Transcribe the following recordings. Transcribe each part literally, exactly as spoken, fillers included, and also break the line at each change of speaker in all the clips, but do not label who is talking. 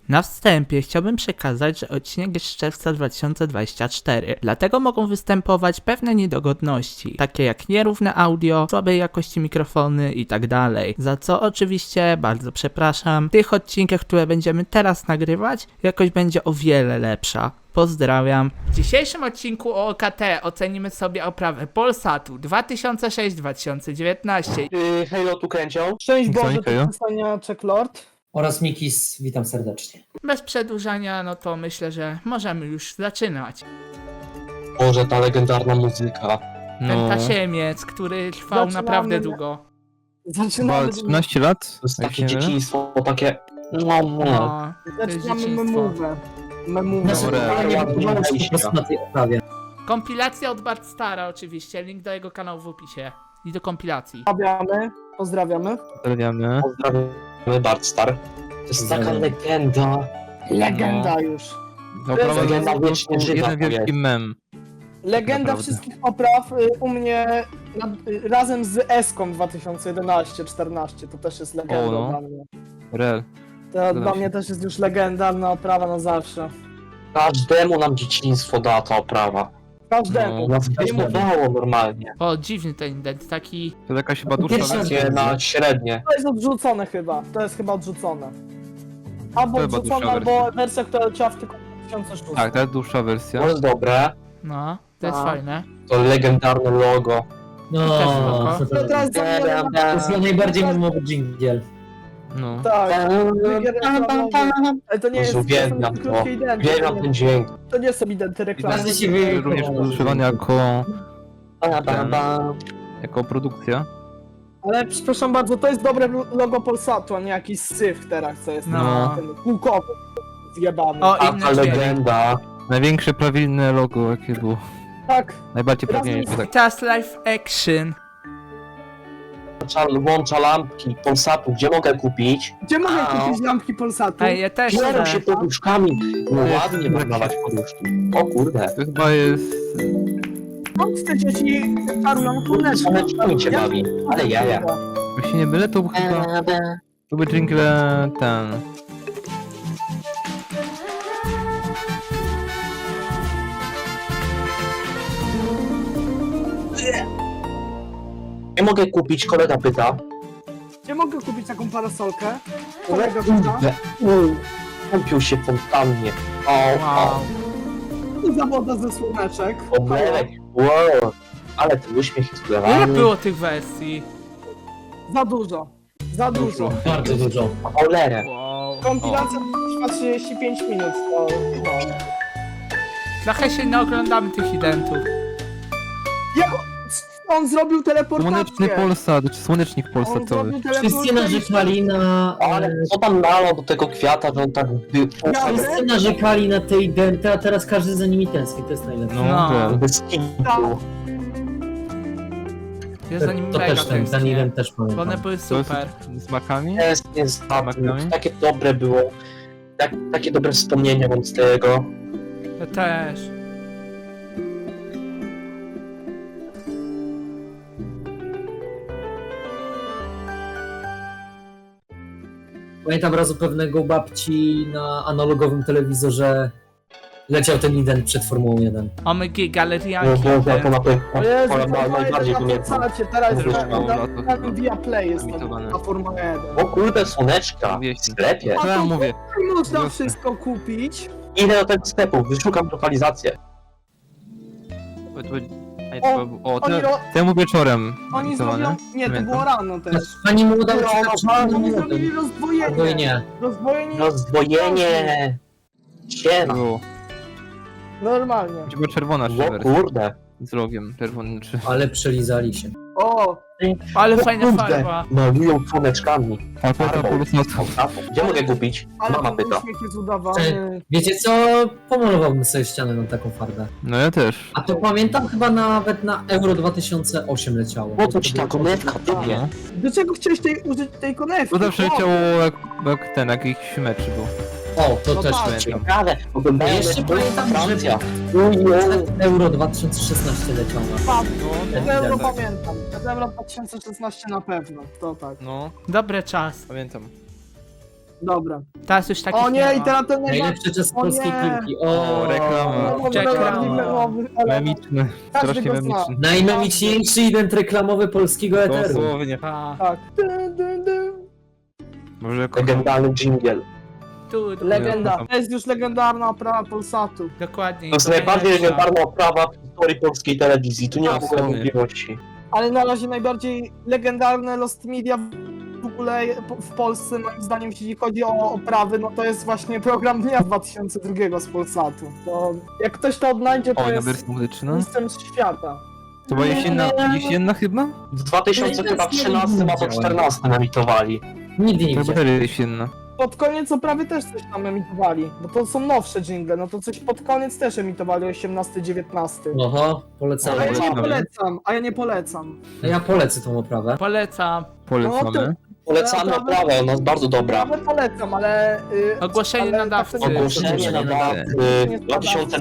Na wstępie chciałbym przekazać, że odcinek jest z czerwca dwa tysiące dwudziestego czwartego, dlatego mogą występować pewne niedogodności, takie jak nierówne audio, słabej jakości mikrofony i tak dalej, za co oczywiście bardzo przepraszam. W tych odcinkach, które będziemy teraz nagrywać, jakość będzie o wiele lepsza. Pozdrawiam. W dzisiejszym odcinku o O K T ocenimy sobie oprawę Polsatu dwa tysiące sześć dwa tysiące dziewiętnaście.
Yy, Halo tu kręcią.
Szczęść Boże,
Dzwoń,
to
Kajo.
przystania Checklord.
Oraz Mikis, witam serdecznie.
Bez przedłużania, no to myślę, że możemy już zaczynać.
Boże, ta legendarna muzyka.
Ten
No,
tasiemiec, który trwał
Zaczynamy.
naprawdę długo.
Zaczynamy,
chyba trzynaście lat?
To jest
jak
takie
się nie mylę?
dzieciństwo, takie... No, no.
No, to jest
zaczynamy
dzieciństwo.
memówę. Memówę.
Nasze
Dobra.
pytanie nie
Ładnie
wygląda po
wejścia.
prostu na tej oprawie.
Kompilacja od Bart Stara oczywiście, link do jego kanału w opisie. I do kompilacji.
Pozdrawiamy. Pozdrawiamy.
Pozdrawiamy.
Pozdrawiamy Bartstar. To jest taka
Pozdrawiam.
legenda.
Legenda już.
Oprawa
Legenda
to jest po
wiecznie
prostu
żywa
jeden
to
wielki
jest.
mem.
Legenda
Naprawdę.
wszystkich opraw y, u mnie nad, y, razem z Eską dwa tysiące jedenaście czternaście. To też jest legenda
O, no.
dla mnie.
Rel.
To
Zgadzam
dla
się.
mnie też jest już legendarna oprawa na zawsze.
Każdemu nam dzieciństwo da ta oprawa.
Każdemu.
No.
Nas wyśmiewało normalnie.
O, dziwny ten indent, taki...
To jakaś chyba dłuższa
Pierwsza
wersja.
Takie na średnie.
To jest odrzucone chyba. To jest chyba odrzucone. Albo
To chyba
odrzucone,
dłuższa
albo
wersja.
wersja, która leciała w tylko dwa tysiące szóstym.
Tak, to jest dłuższa wersja.
To jest dobre.
No, to jest
A.
fajne.
To legendarne logo.
No,
Też spoko.
To teraz zamieniamy
to jest na najbardziej memowy dżingiel.
No.
Tak. Ale to nie jest
Jezu, uwielbiam
są
to.
krótkie identy,
Uwielbiam
to
ten
nie-
dźwięk.
To nie są identy reklamy.
Każdy się wie,
Również używany jako,
Ba, ba, ba.
jako produkcja.
Ale przepraszam bardzo, to jest dobre logo Polsatu, a nie jakiś syf teraz, co jest
No.
na ten kółkowy zjebany.
O,
A
inny
ta
dźwięk.
legenda.
Największe prawilne logo jakie było.
Tak,
Najbardziej
Razem
prawilne,
z-
tak.
Just Life Action.
Włącza, włącza lampki Polsatu. Gdzie mogę kupić?
gdzie mogę
Au.
kupić lampki Polsatu?
Ej, ja też
Biorą
chcę.
się poduszkami. No
To jest-
ładnie wydawać poduszki. O kurde.
To chyba jest...
Skąd te dzieci czarują słoneczko?
Słoneczkami cię bawi. Ale jaja.
Jak się nie mylę, to chyba... To by jingle ten...
Nie mogę kupić, kolega pyta.
Gdzie mogę kupić taką parasolkę?
No
Kolega pyta.
kurde. Mm, Kąpił się fontannie. O, o,
Wow.
I zawoda ze słoneczek.
oblerek. Wow. Ale ten uśmiech jest
Ile
wlewany.
było tych wersji?
Za dużo. Za dużo.
Bardzo dużo.
Cholerę.
Wow.
Kompilacja trwa trzydzieści pięć minut. To, no.
Trochę się nie oglądamy tych identów.
Jak on zrobił teleportację?
Słoneczny Polsat, czy słonecznik
On
polsatowy.
zrobił
Wszyscy
teleportację.
narzekali na...
Ale co tam nalał do tego kwiata, że on tak by...
Wszyscy narzekali na te identy, a teraz każdy za nimi tęskni, to jest najlepsze.
No,
No.
rel.
Bez kitu.
Ja za nim
To
mega
też ten, ten
tęsknię.
event też
Bo one
pamiętam.
były
To jest
super.
z makami?
Jest, jest,
Makami?
takie dobre było. Tak, takie dobre wspomnienia mam z tego.
Ja też.
Pamiętam raz u pewnego babci na analogowym telewizorze leciał ten event przed Formułą jeden.
Omg,
No,
galerianki.
to, to, to na pewno
O Jezu,
ale
Formuła
najbardziej
jeden na
pamiętam.
Polsacie, teraz
To
jest
już mało
na,
lat,
na,
to
na Via Play jest tam,
emitowane.
na Formuła jeden.
O kurde, słoneczka w
Wieśni.
sklepie.
Co ja mówię?
I można
Jasne.
wszystko kupić.
Idę do tego sklepu, wyszukam lokalizację.
To- to- ej, to było- O,
Oni,
to
ro,
temu wieczorem
oni
emitowane.
zrobią... Nie, to
Pamiętam.
było rano też.
Pani młoda
No,
ucieka
no,
przed
no,
Oni
młodym.
zrobili rozdwojenie.
Albo i nie.
Rozdwojenie
Rozdwojenie! Siema!
Było.
normalnie.
Chyba czerwona
O
czy wersja.
kurde!
Z logiem czerwonym czy...
Ale przelizali się.
O,
Ale
O
fajna
kurde,
farba.
malują słoneczkami.
Alfeta
Farbą.
Polsatu.
Gdzie mogę kupić?
ale
Mama
ten
pyta.
uśmiech jest udawany.
Wiecie co? Pomalowałbym sobie ścianę na taką farbę.
No ja też.
A to pamiętam chyba nawet na Euro dwa tysiące osiem leciało.
Po co ci ta konewka, typie?
No.
Do czego chciałeś tej, użyć tej konewki?
To zawsze
O,
chciało jak, jak ten, jakiś mecz był.
O, to
No
też
tak.
pamiętam.
Ciekawe, oglądają
Jeszcze
mecz
pamiętam, że-
Francja. Ujej.
Euro dwa tysiące szesnaście leciało na
Padło.
No,
To euro
tak.
pamiętam. To euro dwa tysiące szesnaście na pewno. To tak.
No,
Dobry czas.
pamiętam.
Dobra.
Teraz już takich
O nie,
ma.
i teraz ten najbardziej...
Najlepszy czas
O
polskiej
nie.
piłki. O,
O, reklama.
najbardziej memowy, ale
Memiczny.
każdy
Strasznie
go zna.
memiczny.
Najmemiczniejszy event reklamowy polskiego eteru.
Dosłownie.
A,
Tak. Dun, dun, dun.
Może
Legendarny dżingiel.
tu, tu,
Legenda. To jest już legendarna oprawa Polsatu.
dokładnie.
To jest
i
najbardziej
najlepsza.
legendarna oprawa w historii polskiej telewizji. Tu nie ma w ogóle
Dosłownie.
wątpliwości.
Ale na razie najbardziej legendarne Lost Media w ogóle w Polsce, moim zdaniem, jeśli chodzi o oprawy, no to jest właśnie program dnia dwa tysiące drugiego z Polsatu. To jak ktoś to odnajdzie, to
O, na
jest
wersję muzyczną.
mistrzem świata.
To była jesienna, jesienna chyba?
W dwa tysiące trzynastym albo czternastym emitowali.
Nigdy nie
To
widziałem.
była jesienna.
Pod koniec oprawy też coś tam emitowali, bo to są nowsze jingle, no to coś pod koniec też emitowali, osiemnasty dziewiętnasty.
Oho,
A
polecamy.
ja nie
Polecamy.
polecam, a ja nie polecam.
A ja polecę tą oprawę.
Polecam.
Polecamy.
Polecamy oprawę, ona jest bardzo dobra.
Ja polecam, ale... y,
Ogłoszenie
ale
nadawcy.
tak to nie-
Ogłoszenie na dwa tysiące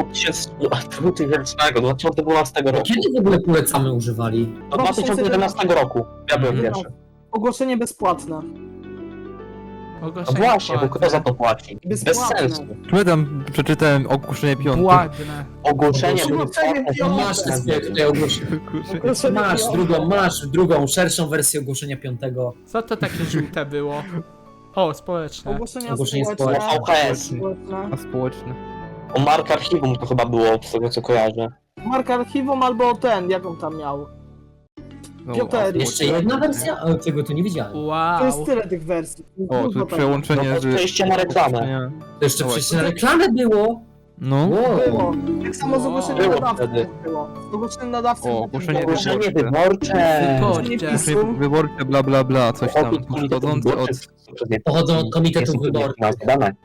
dwunastego roku.
Kiedy w ogóle polecamy używali?
Do dwa tysiące jedenastego roku. Ja byłem
Mhm.
pierwszy.
Ogłoszenie bezpłatne.
No
Ogłoszenie
właśnie, bo
płatne.
kto za to płaci? Bez
Bezpłatne.
sensu.
Pamiętam, przeczytałem ogłoszenie piątej.
Ładne.
Ogłoszenie
Ogłoszenie
bezpłatne.
piąte.
Masz te swoje tutaj ogłoszenie.
Ogłoszenie
Masz
piąte.
drugą, masz drugą, szerszą wersję ogłoszenia piątego.
Co to takie żółte było? O, społeczne.
Ogłoszenia
Ogłoszenie
społeczne.
społeczne. V H S.
społeczne.
A społeczne.
O Mark Archiwum to chyba było, z tego co kojarzę.
Mark Archiwum albo ten, jak on tam miał.
No,
Piąte.
a
Jeszcze
społeczne.
jedna wersja? Ale tego tu nie widziałem.
To jest
Wow.
tyle tych wersji.
O,
Dużo
tu
tam.
przełączenie
No to
z...
przejście na reklamę.
ogłoszenia.
To jeszcze
No
przecież na reklamę było.
No.
Wow.
Było. Tak samo z ogłoszeniem
Było
nadawcy
wtedy.
było. Z ogłoszeniem nadawcy
O,
było.
ogłoszenie
Było.
Ogłoszenie wyborcze.
Wyborcze.
Ogłoszenie wyborcze, bla bla bla, coś tam.
Opis komitetu
Pochodzące od...
wyborczych przez nie-
Pochodzą od komitetów
jest
wyborczych.
nazwane.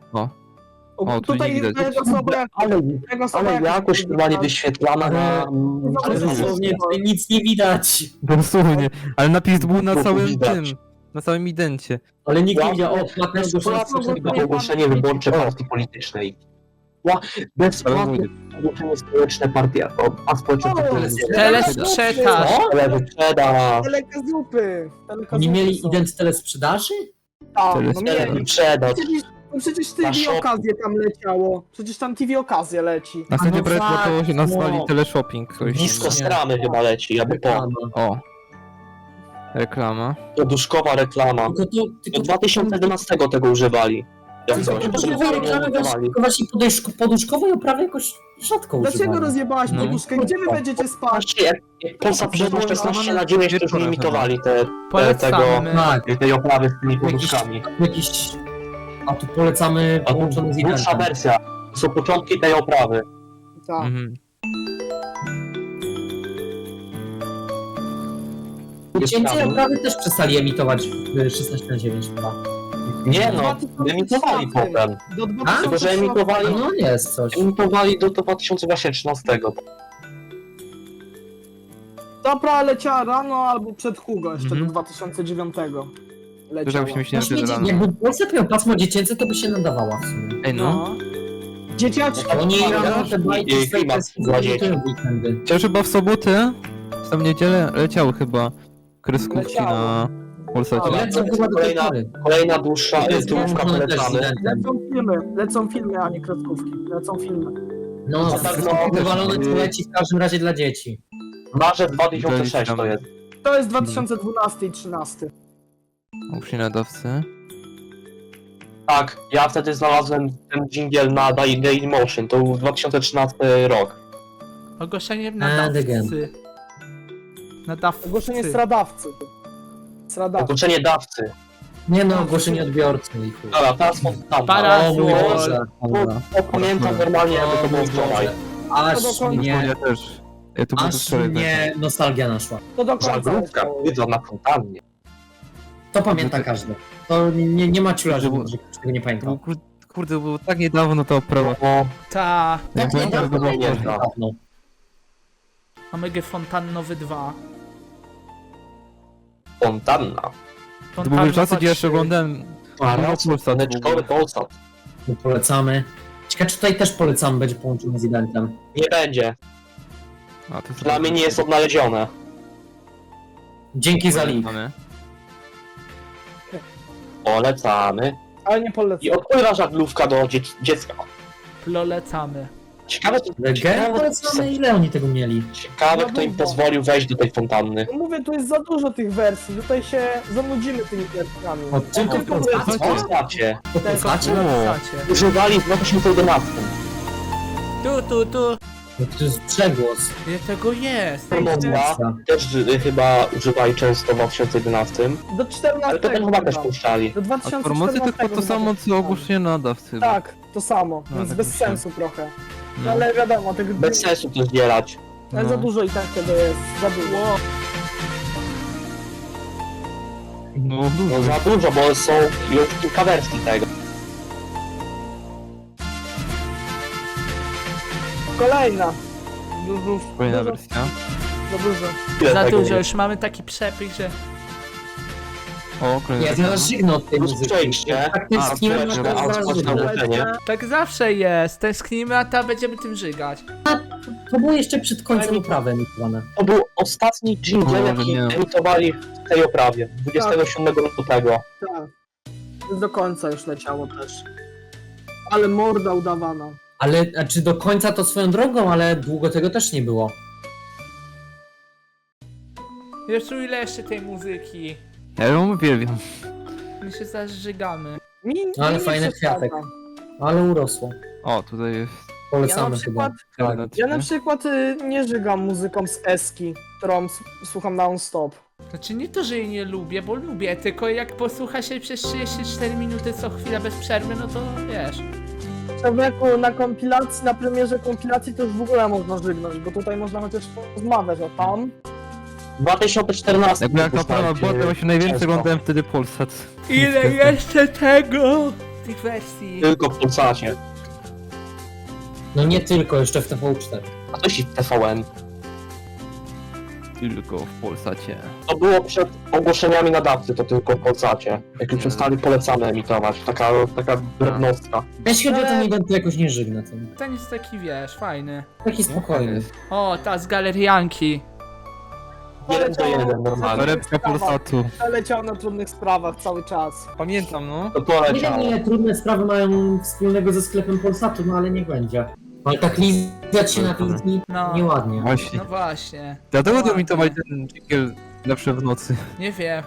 O, tu
Tutaj
nie widać.
tego osoba jak...
Ale,
tego osoba
ale
jak-
jakoś normalnie wyświetlana na...
Ale dosłownie tutaj nic nie widać.
Dosłownie. Ale napis był na
Tu
całym
widać.
tym. Na całym idencie.
Ale nikt nie
Ja-
widział. O, płatne ogłoszenie
Płatne
społecznego.
ogłoszenie.
Ogłoszenie wyborcze partii politycznej. Ła- Bezpłatne ogłoszenie społeczne partii, a- a społeczne
O,
partii.
Telesprzedaż.
Telewysprzedaż.
Telekazupy.
Nie mieli ident telesprzedaży?
Tak, no mieli.
Telewysprzedaż.
Przecież, no przecież
Na
T V
shopu.
okazję tam leciało. Przecież tam T V okazję leci.
Następnie
no
projekt
tak,
to się nazwali
no.
teleshopping. Coś
Disco
tam.
stramy chyba leci, jakby po.
Reklama.
O. Reklama.
Poduszkowa reklama.
Tylko to... Tylko
Do dwa tysiące jedenastego tego używali. Jak
Tylko
coś.
poduszkowej reklamy właśnie- właśnie poduszko- poduszkowej oprawy jakoś rzadko
Dlaczego
używali.
rozjebałaś
No.
poduszkę? Gdzie wy będziecie spać?
Patrzcie, jak jak Polsat przedło szesnaście na dziewięć, to już nie imitowali te, te, tego,
Polecamy.
Tak,
tej oprawy z tymi poduszkami.
jakiś... A tu polecamy
A to
połączony z
dłuższa
identem.
wersja. To są początki tej oprawy.
Tak.
Mhm.
Cięcie oprawy też przestali emitować w szesnaście na dziewięć chyba.
Nie no,
dwa tysiące
emitowali
trzynaście.
potem.
Do
A?
Tylko, że
dwa tysiące
emitowali,
No jest coś.
emitowali do, do dwa tysiące trzynastego.
Dobra, leciała rano albo przed Hugo jeszcze
Mhm.
do dwa tysiące dziewiątego.
Też
Leciała.
jakbyśmy myśleli,
Właśnie,
że rano.
jakby Polsat miał pasmo dziecięce, to by się nadawała w sumie.
Ej no.
No. Dzieciaczki.
A oni rano te
I
bajki swoje
klimat dla dzieci.
emitują w weekendy.
Chociaż chyba w sobotę, w tam niedzielę leciały chyba kreskówki
Leciało.
na Polsacie.
Ale-
Lecą chyba do tej
Kolejna-
pory.
Kolejna dłuższa,
To jest
dłużka
połączone też z
polecamy.
identem.
Lecą filmy, lecą filmy, a nie kreskówki. Lecą filmy.
No,
To tak,
wszystko
no,
wywalone
też-
to leci w każdym razie dla dzieci.
Marzec dwa tysiące szósty to jest.
To jest dwa tysiące dwunasty i trzynasty.
Ogłoszenie nadawcy.
Tak, ja wtedy znalazłem ten dżingiel na Day- Dailymotion, to był dwa tysiące trzynasty rok.
Ogłoszenie
And
nadawcy. Nadawcy.
Ogłoszenie stradawcy. Stradawcy.
Ogłoszenie dawcy.
Nie no, ogłoszenie odbiorcy. i chuj.
Dobra, teraz spontanicznie.
Para-
O mój
Parasol.
Boże. Dobra.
To pamiętam normalnie, jakby to
O
było
mój
wczoraj.
Boże. Aż
To do końca.
mnie,
Ja też. Ja tu było
aż
wczoraj.
mnie nostalgia naszła.
To do końca.
Żaglówka,
leciało.
wiedza na fontannie.
To pamięta każdy. To nie, nie ma ciula, że,
Było-
że ktoś tego nie
To było,
pamiętał.
kur- kurde, było tak niedawno ta oprawa.
No,
Ta.
Ja
Tak,
pamiętam,
nie,
że było
nie,
wczoraj.
Dawno.
Omega Fontannowy dwa.
fontanna.
To były czasy, gdzie jeszcze
trzy.
oglądałem
Paras,
Polsat w
Neczkowy
ogóle.
Polsat.
My polecamy. Ciekawe, czy tutaj też polecamy, będzie połączony z eventem.
Nie będzie.
A, to
Dla mnie nie jest odnalezione.
Dzięki za link.
Mamy.
Polecamy.
Ale nie
I
polecam.
odpływa żaglówka do dzie dziecka.
Plolecamy.
Ciekawe,
Legenda
ciekawe,
polecamy, ile oni tego mieli?
ciekawe kto im pozwolił wejść do tej fontanny.
No mówię, tu jest za dużo tych wersji, tutaj się zanudzimy tymi wersjami.
O, tylko
tylko
w
Co
Polsce?
znacie?
To
Tylko
znaczy?
Plolecacie.
Używali w dwa tysiące jedenastym.
Tu, tu, tu.
No to jest przegłos.
Ile tego jest?
Promocja też y, chyba używali często w dwa tysiące jedenastym.
Do czternastego.
Ale to ten chyba też
chyba.
puszczali.
Do
A
dwa tysiące
promocja to chyba to samo co ogłoszenie nadawcy.
Tak, to samo,
No,
więc
tak
bez
myślałem.
sensu trochę.
No.
Ale wiadomo, tych
Bez sensu to zbierać.
ale
No.
za dużo i tak tego jest, za dużo.
Ło,
No,
No
dużo.
za dużo, bo są już kilka wersji tego.
Kolejna. Dużo,
Kolejna
dużo,
wersja.
za dużo.
Tyle
za
tego
dużo,
jest.
już mamy taki przepych, że...
O, kolejna
Ja
wersja.
zaraz żygnę od tej
Plus
muzyki.
przejście.
Tak tym
A,
skinem
przejście,
na
a,
zaraz
spać na
żygnę.
ułożenie.
Tak zawsze jest. Tęsknimy, a ta będziemy tym żygać.
To było jeszcze przed końcem uprawy emitowane.
To był ostatni jingle,
O,
jaki
nie.
emitowali w tej oprawie. dwudziestego siódmego lutego.
Tak. Do końca już leciało też. Ale morda udawana.
Ale, a czy do końca to swoją drogą, ale długo tego też nie było.
Jeszcze ile jeszcze tej muzyki?
Ja ją uwielbiam.
My się zażygamy.
Mi,
Ale
mi nie
fajny
przeszkadza.
kwiatek. Ale urosło.
O, tutaj jest.
Ja na
Polecamy
przykład,
chyba.
Czarna
ja na
trzy.
przykład y, nie żygam muzyką z Eski, którą s- słucham non-stop.
Znaczy nie to, że jej nie lubię, bo lubię, tylko jak posłucha się przez trzydzieści cztery minuty co chwila bez przerwy, no to wiesz.
Człowieku, na kompilacji, na premierze kompilacji to już w ogóle można żygnąć, bo tutaj można chociaż rozmawiać, a tam...
W dwa tysiące czternastym.
Jakby jak ta prawa była, to właśnie najwięcej
Często.
oglądałem wtedy Polsat.
Ile jeszcze tego? Tych wersji.
Tylko w Polsacie.
No nie tylko, jeszcze w T V cztery.
A to się w T V N.
Tylko w Polsacie.
To było przed ogłoszeniami nadawcy, to tylko w Polsacie. Jak już przestali polecane emitować. Taka, taka drobnostka.
Jeśli chodzi o ten
Ale-
event, to jakoś nie żygnę. To
Ten jest taki, wiesz, fajny.
taki spokojny.
O, ta z galerianki.
Jeden do jeden,
Poleciał-
normalnie.
Torebka Polsatu.
Leciał na trudnych sprawach cały czas.
Pamiętam, no.
To poleciało.
Nie wiem, ile trudne sprawy mają wspólnego ze sklepem Polsatu, no ale niech będzie. Ale tak lizać się na wizji
No.
nieładnie.
Właśnie.
No właśnie.
Dlatego
Ładnie.
domitowali ten dżingiel zawsze w nocy.
Nie wiem.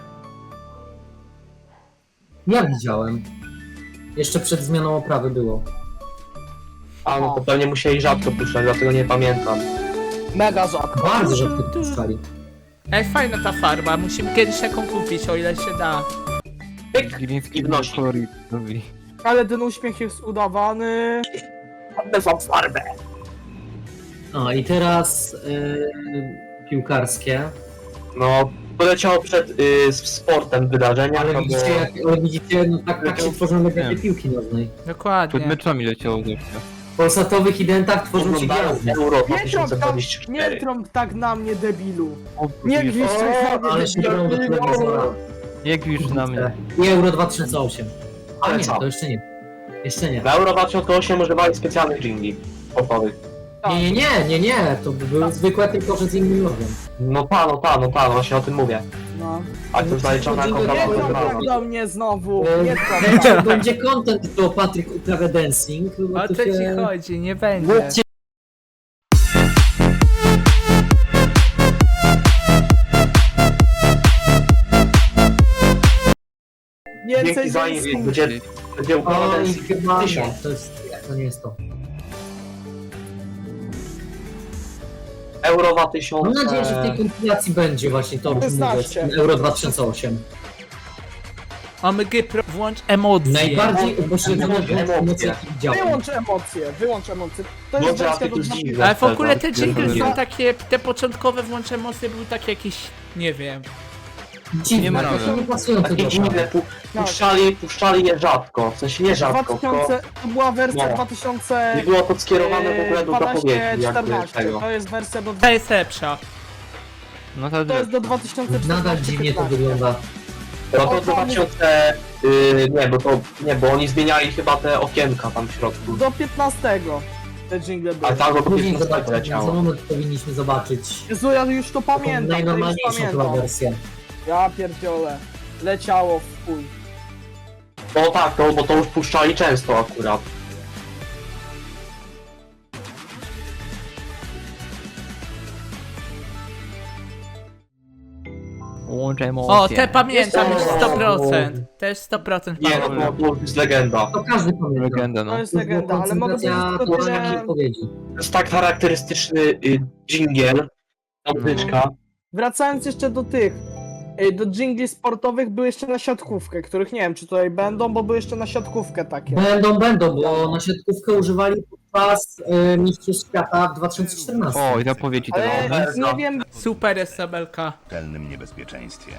Ja widziałem. Jeszcze przed zmianą oprawy było.
A no to pewnie musieli rzadko puszczać, dlatego nie pamiętam.
Mega rzadko.
Bardzo rzadko puszczali.
Ej, fajna ta farba, musimy kiedyś taką kupić, o ile się da.
Gliński
I wnosi.
kolorit robili.
Ale ten uśmiech jest udawany.
Oddam wam farbę.
No i teraz yy, piłkarskie.
No, poleciało przed y, z sportem wydarzenia,
Ale
to
widzicie,
było...
jak, ale widzicie no tak, tak się tworzą legendy
Nie.
piłki nożnej.
Przed
Dokładnie.
meczami leciało zawsze.
W polsatowych identach tworzą się
Oglądałem
gwiazdy.
Euro dwa
Nie
tysiące
trąb, tak,
dwadzieścia
nie
cztery.
trąb tak na mnie, debilu.
O,
Nie
gwisz-
gwizdź tak na
Ale
mnie,
się biorą do
debilu.
telewizora.
Nie gwisz na mnie.
I Euro dwa tysiące osiem. Ale
Ale
nie,
co?
to jeszcze nie. Jeszcze nie.
Na Euro dwa tysiące osiem używali specjalnych jingli popowych.
Nie, nie, nie, nie, nie, to były zwykłe tylko, że z innym logiem.
No ta, no ta, no ta, no właśnie o tym mówię.
No.
A to zaliczone jako
Nie
prawa
trąb tak
wybrawa.
do mnie znowu.
E,
Nie trąb
Będzie,
tak.
będzie content do Patryk uprawia dancing. bo
O
tu
co ci
się-
chodzi? Nie będzie.
Mówcie,
Więcej
Dzięki za
więcej.
im będzie, będzie
o,
układane
i chyba nie,
tysiąc.
to jest, to nie jest to.
Euro dwa
Mam
tysiące...
nadzieję, że w tej kompilacji będzie właśnie to, o czym mówię,
szesnaście.
Euro dwa tysiące osiem.
Omg, pro, włącz emocje.
Najbardziej upośledzone
Emocje.
emocje, jakie widziałem.
Wyłącz emocje, wyłącz emocje. To jest
Dobrze, a
wersja
ty
do
tu
dwa-
zdziwisz.
Ale w ogóle te jingle
pierdolę.
są takie, te początkowe włącz emocje były takie jakieś, nie wiem.
Dziwne,
Nie ma
jakoś
razy.
nie pasują
Takie
tego.
jingle pu, puszczali, puszczali je rzadko, w sensie nie rzadko, tylko
2000, to była wersja
No.
dwa tysiące
nie było to skierowane w ogóle do zapowiedzi jakby
czternaście.
tego.
To jest wersja do
Ta jest lepsza.
No to
to jest do dwa tysiące czternaście.
Nadal dziwnie to wygląda.
No to dwa tysiące... Yy, nie, bo to... Nie, bo oni zmieniali chyba te okienka tam w środku.
Do piętnastego te jingle były.
Ale tam do
Później
piętnastego
zobaczymy, za
leciało.
moment powinniśmy zobaczyć.
Jezu, ja już to
Taką
pamiętam, to już
najnormalniejszą chyba
pamiętam.
wersję.
Ja pierdziolę. Leciało w chuj.
No tak, no bo to już puszczali często akurat.
Łączę
O, te pamiętam już
Jeszcze-
sto procent. Też sto procent
Nie, no
pamiętam.
to, to jest legenda.
To każdy pamięta.
Legenda, no.
To jest legenda, ale mogę powiedzieć
Koncentracja
tylko
tłumaczenia
tyle...
odpowiedzi.
To jest tak charakterystyczny y, dżingiel, muzyczka.
Wracając jeszcze do tych, y, do dżingli sportowych były jeszcze na siatkówkę, których nie wiem czy tutaj będą, bo były jeszcze na siatkówkę takie.
Będą, będą, bo na siatkówkę używali podczas y, Mistrzostw Świata w dwa tysiące czternastym.
O, i zapowiedzi tego.
Ale nie wiem,
Super S M L K.
pełnym niebezpieczeństwie.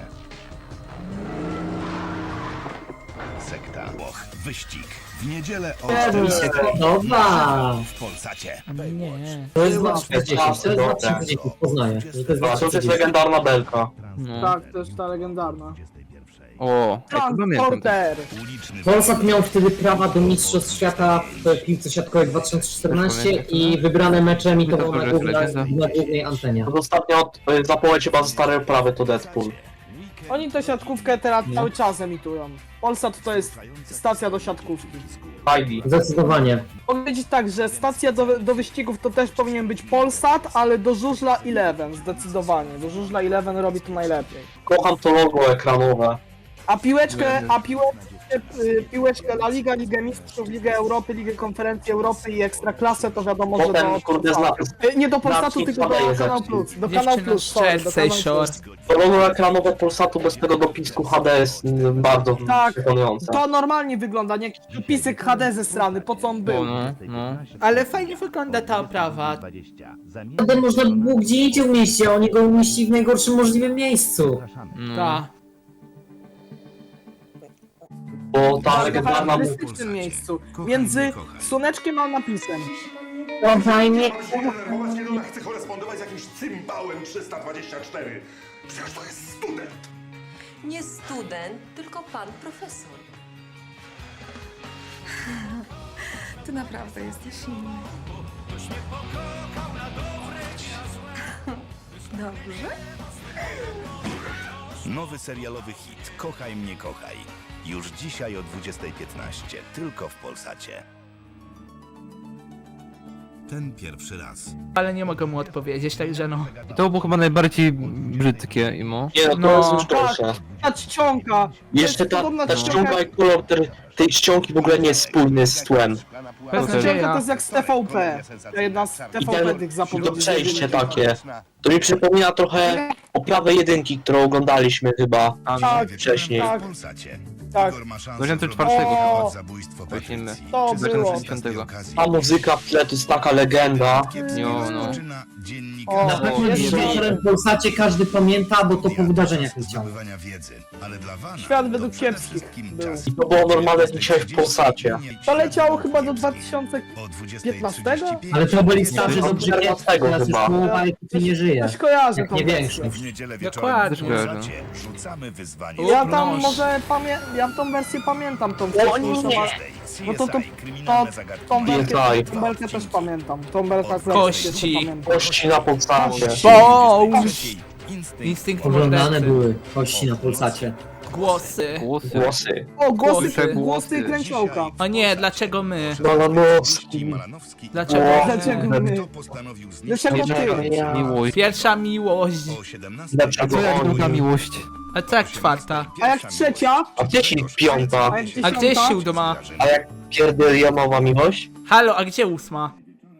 Sekta Włoch. Wyścig. W niedzielę o
Nie,
czternaście
Dobra!
w Polsacie.
Nie.
To jest dwa tysiące dziesięć, to jest dwa tysiące dziesięć, poznaję. że To jest
A to
dwa
już
tysiące
jest
dziesięć.
legendarna belka.
No.
tak, to jest ta legendarna.
O, jak to pamiętam.
Transporter!
Uliczny
Polsat miał wtedy prawa do Mistrzostw Świata w piłce siatkowej dwa tysiące czternastym i wybrane mecze emitował na, główna, na głównej antenie.
To ostatnio y, zapowiedź chyba ze starej oprawy to Deadpool.
Oni tę siatkówkę teraz cały czas emitują. Polsat to jest stacja do siatkówki.
Heidi.
Zdecydowanie.
Mogę powiedzieć tak, że stacja do, do wyścigów to też powinien być Polsat, ale do żużla Eleven zdecydowanie. Do żużla Eleven robi to najlepiej.
Kocham to logo ekranowe.
A piłeczkę, a piłeczkę, y, piłeczkę La Liga, Ligę Mistrzów, Ligę Europy, Ligę Konferencji Europy i Ekstraklasę to wiadomo, że
Potem
do
kurde
Polsatu.
znak.
Y, Nie do Polsatu,
Znacznik
tylko do
podaje
Kanał
znacznik.
Plus. Do Kanał
Dziewczyna
Plus,
z
sorry, do
Jersey
Kanał
Shore.
Plus.
To logo ekranowe Polsatu bez tego dopisku H D jest y, bardzo
Tak.
przekonujące.
To normalnie wygląda, nie jakiś dopisek H D ze strony, po co on był.
O, no, no.
Ale fajnie wygląda ta oprawa.
Potem można by było gdzie indziej umieścić, a oni go umieścili w najgorszym możliwym miejscu.
no.
Ta.
Bo ta
W
legendarna
charakterystycznym miejscu, między słoneczkiem a napisem.
Kochaj mnie.
Właśnie ona chce korespondować z jakimś cymbałem trzysta dwadzieścia cztery. Przecież to jest student.
Nie student, tylko pan profesor.
Ty naprawdę jesteś inny. Dobrze?
Nowy serialowy hit Kochaj mnie kochaj. Już dzisiaj o dwudziestej piętnaście tylko w Polsacie. Ten pierwszy raz.
Ale nie mogę mu odpowiedzieć, także no.
I to było chyba najbardziej brzydkie, Imo.
Nie no, to
No.
jest już gorsze.
Ta czcionka! to
Jeszcze
jest
ta,
podobna
ta
czcionka
ściąga
jak-
i kolor ter, tej ściągi w ogóle nie jest spójny z tłem.
Ta
Bez
czcionka
nadzieja.
to jest jak z T V P. To jedna z T
I
V P
ten,
tych
to
zapowiedzi.
przejście takie. To mi przypomina trochę oprawę jedynki, którą oglądaliśmy chyba
Tak,
wcześniej.
tak,
W Polsacie.
tak.
Igor ma szansę
dwa tysiące
wrobić
czwartego
O,
temat zabójstwo
Właśnie my.
Patrycji.
To
Czy
było.
skorzystać z tej okazji?
A muzyka w tle to jest taka legenda.
Jo, no.
Rozpoczyna dziennik
O,
Na pewno
jest
dzisiaj
dobre.
w Polsacie każdy pamięta, bo to po wydarzeniach leciało.
zdobywania wiedzy, ale dla Wana
Świat
to
według
przede
kiepskich
wszystkim
był.
czas.
I to było normalne dzisiaj w Polsacie.
To leciało chyba do dwa tysiące
O dwudziestej
piętnastego?
trzydzieści pięć
Ale to byli starzy
Nie,
dobrze
czternastego
teraz już
chyba.
połowa ekipy nie żyje.
Coś kojarzę
Jak
tą
nie
wersję.
większość.
W niedzielę
Dokładnie.
wieczorem w Polsacie rzucamy wyzwanie.
Ja tam
Noż.
może pamię... ja tą wersję pamiętam, tą
O
wcześniejszą,
nie.
ale- no to, to, to,
Kryminalne
tą
zagadki.
belkę,
Pamiętaj.
tą belkę też pamiętam. Tą belkę akurat
Kości.
też pamiętam.
Kości na Polsacie.
Boom!
Instynkt.
Instynkt
Oglądane
mordercy.
były kości na Polsacie.
Głosy.
Głosy.
Głosy.
O, głosy,
Głosy.
głosy kręciołka.
O nie, dlaczego my?
Malanowski.
Malanowski.
Dlaczego
O,
my?
Dlaczego my?
Kto postanowił zniszczyć
Dlaczego ty?
Miłość.
Pierwsza miłość.
o siedemnastej?
Dlaczego
Co jak druga
oni?
miłość?
A co jak czwarta?
A jak trzecia?
A gdzie ci piąta?
A jak
A gdzie jest
dziesiąta?
siódma?
A jak pierdolionowa miłość?
Halo, a gdzie ósma?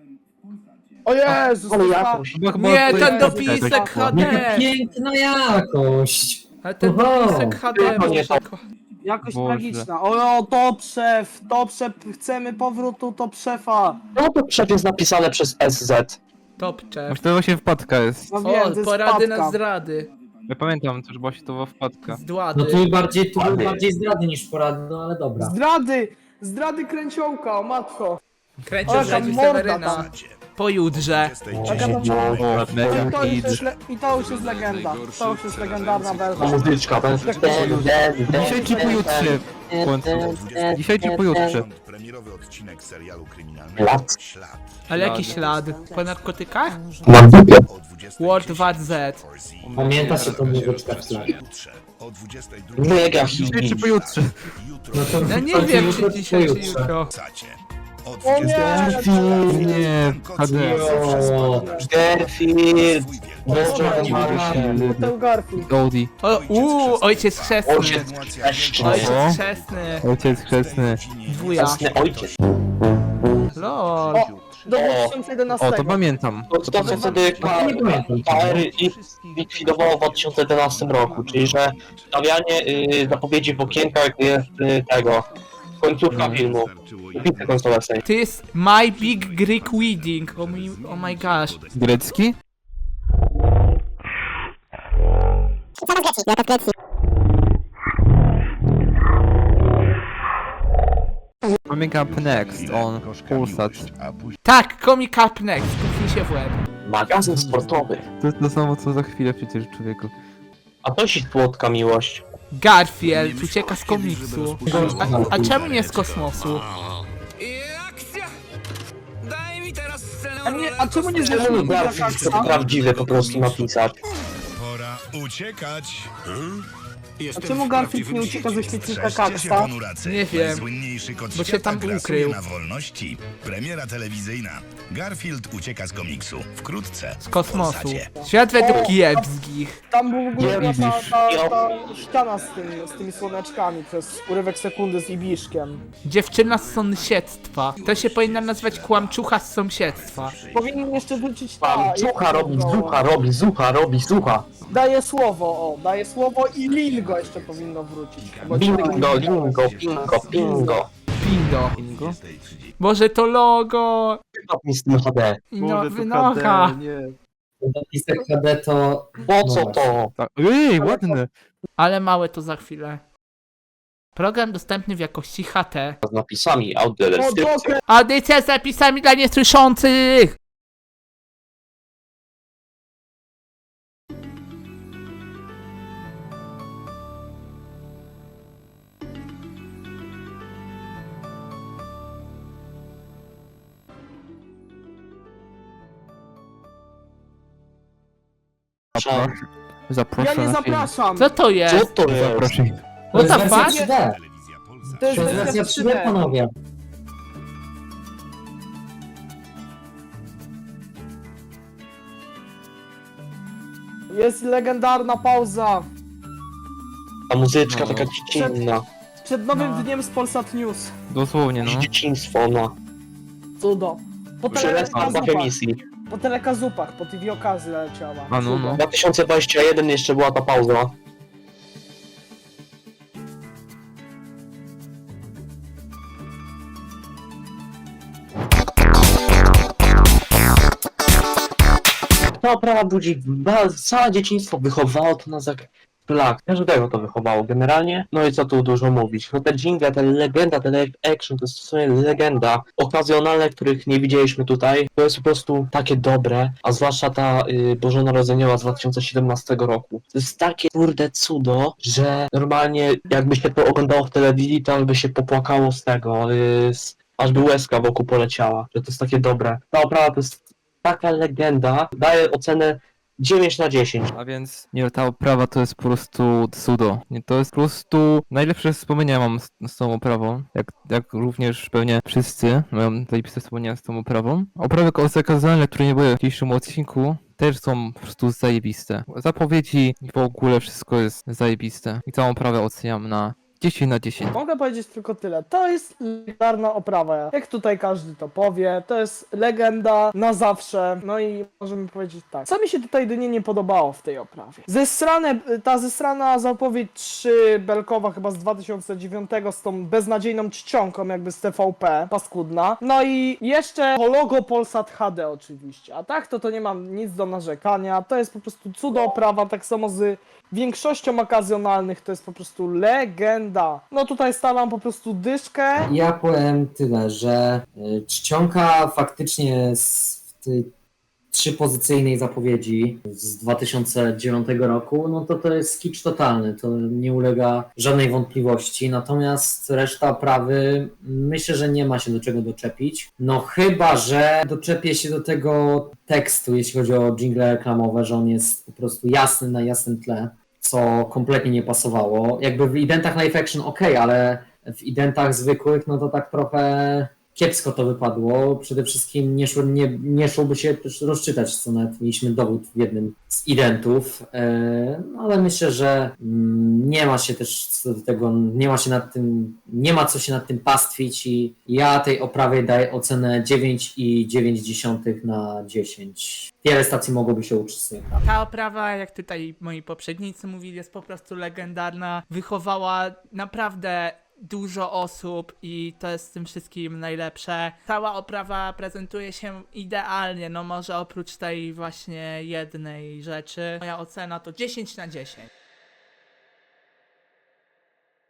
O Jezus,
Ale
to
jakoś.
Chyba- chyba
Nie,
to
ten
jest-
dopisek
tak,
H D!
Jaka piękna jakość!
A ten
Oho.
dopisek H D,
Tylko nie to.
jakoś
Boże.
tragiczna. O, o, to przew, to przew, chcemy powrotu, to przefa.
No to przed jest napisane przez S Z.
Topcze.
Może to właśnie wpadka jest.
No wiem, to
O,
jest
porady
wpadka.
na zdrady.
Ja pamiętam, to już była się to wpadka.
No
Zdłady.
tu bardziej, tu były
Ładnie.
bardziej zdrady niż porady, no ale dobra.
Zdrady, zdrady kręciołka, o matko.
Kręcił
O, jaka
Rzedziu
morda
Seweryna.
tam.
Pojutrze.
Jaka tam...
O, mega
I to, już
hit.
jest le... I to już jest legenda. To już jest legendarna
Ta
wersja.
muzyczka. Ten, ten, ten, ten,
Dzisiaj czy pojutrze? W końcu. Dzisiaj czy pojutrze?
Premierowy odcinek serialu kryminalnego
Lat.
Ślad.
Ale jaki ślad? Po narkotykach?
Na dupie.
O dwudziestej
World
pierwszej
War Z.
Pamiętasz, że to muzyczka w tle?
Jutrze o dwudziestej drugiej.
No jak ja
Dzisiaj czy pojutrze?
Jutro
No to
Ja nie
to
wiem,
jutro,
czy dzisiaj, czy
pojutrze.
jutro.
w Polsacie. O
O
dwudziestej
nie!
Nie, H D.
O,
Garfield. Boże,
Boże,
Marcin.
Ten Garfield.
Goldie.
O, uuu, ojciec chrzestny.
Ojciec chrzestny.
Ojciec chrzestny.
Ojciec chrzestny.
Wuja.
Jasny ojciec.
Lol.
O, do dwa tysiące jedenastego.
O, to pamiętam.
To, to co wtedy K R I likwidowało w dwa tysiące jedenastym roku, czyli że stawianie y, zapowiedzi w okienkach jest y, tego, końcówka filmu, bitwy końcowej.
To jest My Big Greek Wedding. Oh my, oh my gosh.
Grecki? Coming up next on Polsat.
Tak, Comic Up Next. Puknij się w łeb.
Magazyn sportowy.
To jest to samo co za chwilę przecież, człowieku.
A to się słodka miłość.
Garfield ucieka z komiksu. A, a czemu nie z kosmosu?
A, nie, a czemu nie
Czemu
zeszło
Garfield chce to prawdziwe po prostu napisać?
Pora uciekać. Hmm?
A czemu Garfield nie ucieka ze świetnika
Strzeżcie się,
Kaksa?
ponuracy.
Nie wiem,
Najsłynniejszy kot
bo się
świata
tam
grasuje
ukrył.
na wolności. Premiera telewizyjna. Garfield ucieka z komiksu. Wkrótce.
Z
w
kosmosu.
Polsacie.
Świat według kiepskich.
Tam był w ogóle
Nie
ta, ta, ta,
widzisz.
ta ściana z, tym, z tymi słoneczkami przez urywek sekundy z Ibiszkiem.
Dziewczyna z sąsiedztwa. To się powinna nazywać kłamczucha z sąsiedztwa.
Powinien jeszcze wrócić ta...
Pan zucha robi, zucha robi, zucha robi, zucha.
Daje słowo, o, daje słowo i Lingo jeszcze powinno wrócić. Bo
Bingo, lingo, pingo, pingo.
Pindo.
Bingo?
Boże, to logo.
Stopni z tym H D.
No, wynocha.
napisek H D to...
Po co to?
Tak. Ej, ładne.
Ale małe to za chwilę. Program dostępny w jakości H T.
Z napisami,
O,
audiodeskrypcją.
dokę!
Audycja z zapisami dla niesłyszących!
Zaproszę. Zaproszę
Ja nie
na film.
zapraszam!
Co to
Co
jest?
to jest?
Zaproszę.
To
What
jest
the
wersja
fuck?
trzy D.
Telewizja Polsat.
To jest
To jest
wersja
wersja
trzy
trzy D,
D.
panowie.
Jest legendarna pauza.
Ta muzyczka
No.
taka dziecinna.
Przed nowym
No.
dniem z Polsat News.
Dosłownie, no.
Dzieciństwo, no.
Cudo. Po
Przelesna po
telekazupach,
emisji.
po telekazupach, po T V okazy leciała.
A no, no.
dwa tysiące dwudziesty pierwszy jeszcze była ta pauza. Ta oprawa budzi ba- całe dzieciństwo wychowało to nas jak szlak. Każdego to wychowało generalnie. No i co tu dużo mówić. No te jingle, te legenda, te live action to jest w sumie legenda. Okazjonalne, których nie widzieliśmy tutaj. To jest po prostu takie dobre. A zwłaszcza ta y, bożonarodzeniowa z dwa tysiące siedemnastego roku. To jest takie kurde cudo, że normalnie jakby się to oglądało w telewizji, to by się popłakało z tego. Y, z, aż by łezka wokół poleciała. Że to jest takie dobre. Ta oprawa to jest taka legenda. Daję ocenę dziewięć na dziesięć.
A więc nie, ta oprawa to jest po prostu cudo. Nie, to jest po prostu najlepsze wspomnienia mam z, z tą oprawą. Jak, jak również pewnie wszyscy mają zajebiste wspomnienia z tą oprawą. Oprawy okazjonalne, które nie były w dzisiejszym odcinku, też są po prostu zajebiste. Zapowiedzi i w ogóle wszystko jest zajebiste. I całą oprawę oceniam na dziesięć na dziesięć.
Mogę powiedzieć tylko tyle. To jest legendarna oprawa. Jak tutaj każdy to powie, to jest legenda na zawsze. No i możemy powiedzieć tak. Co mi się tutaj jedynie nie podobało w tej oprawie? Zesrane, ta zesrana zapowiedź trzy belkowa chyba z dwa tysiące dziewiątego z tą beznadziejną czcionką jakby z T V P, paskudna. No i jeszcze to logo Polsat H D oczywiście. A tak to to nie mam nic do narzekania. To jest po prostu cudo oprawa, tak samo z większością okazjonalnych to jest po prostu legenda. No tutaj stawiam po prostu dyszkę.
Ja powiem tyle, że y, czcionka faktycznie z w tej trzypozycyjnej zapowiedzi z dwa tysiące dziewiątego roku, no to to jest kicz totalny, to nie ulega żadnej wątpliwości, natomiast reszta oprawy myślę, że nie ma się do czego doczepić, no chyba, że doczepię się do tego tekstu, jeśli chodzi o dżingle reklamowe, że on jest po prostu jasny na jasnym tle, co kompletnie nie pasowało. Jakby w identach live action ok, ale w identach zwykłych, no to tak trochę kiepsko to wypadło. Przede wszystkim nie, szło, nie, nie szłoby się też rozczytać, co nawet mieliśmy dowód w jednym z identów, e, no ale myślę, że mm, nie ma się też co do tego, nie ma się nad tym, nie ma co się nad tym pastwić i ja tej oprawie daję ocenę dziewięć i dziewięć dziesiątych na dziesięć. Wiele stacji mogłoby się uczyć z tej oprawy.
Ta oprawa, jak tutaj moi poprzednicy mówili, jest po prostu legendarna. Wychowała naprawdę dużo osób i to jest z tym wszystkim najlepsze. Cała oprawa prezentuje się idealnie, no może oprócz tej właśnie jednej rzeczy. Moja ocena to dziesięć na dziesięć.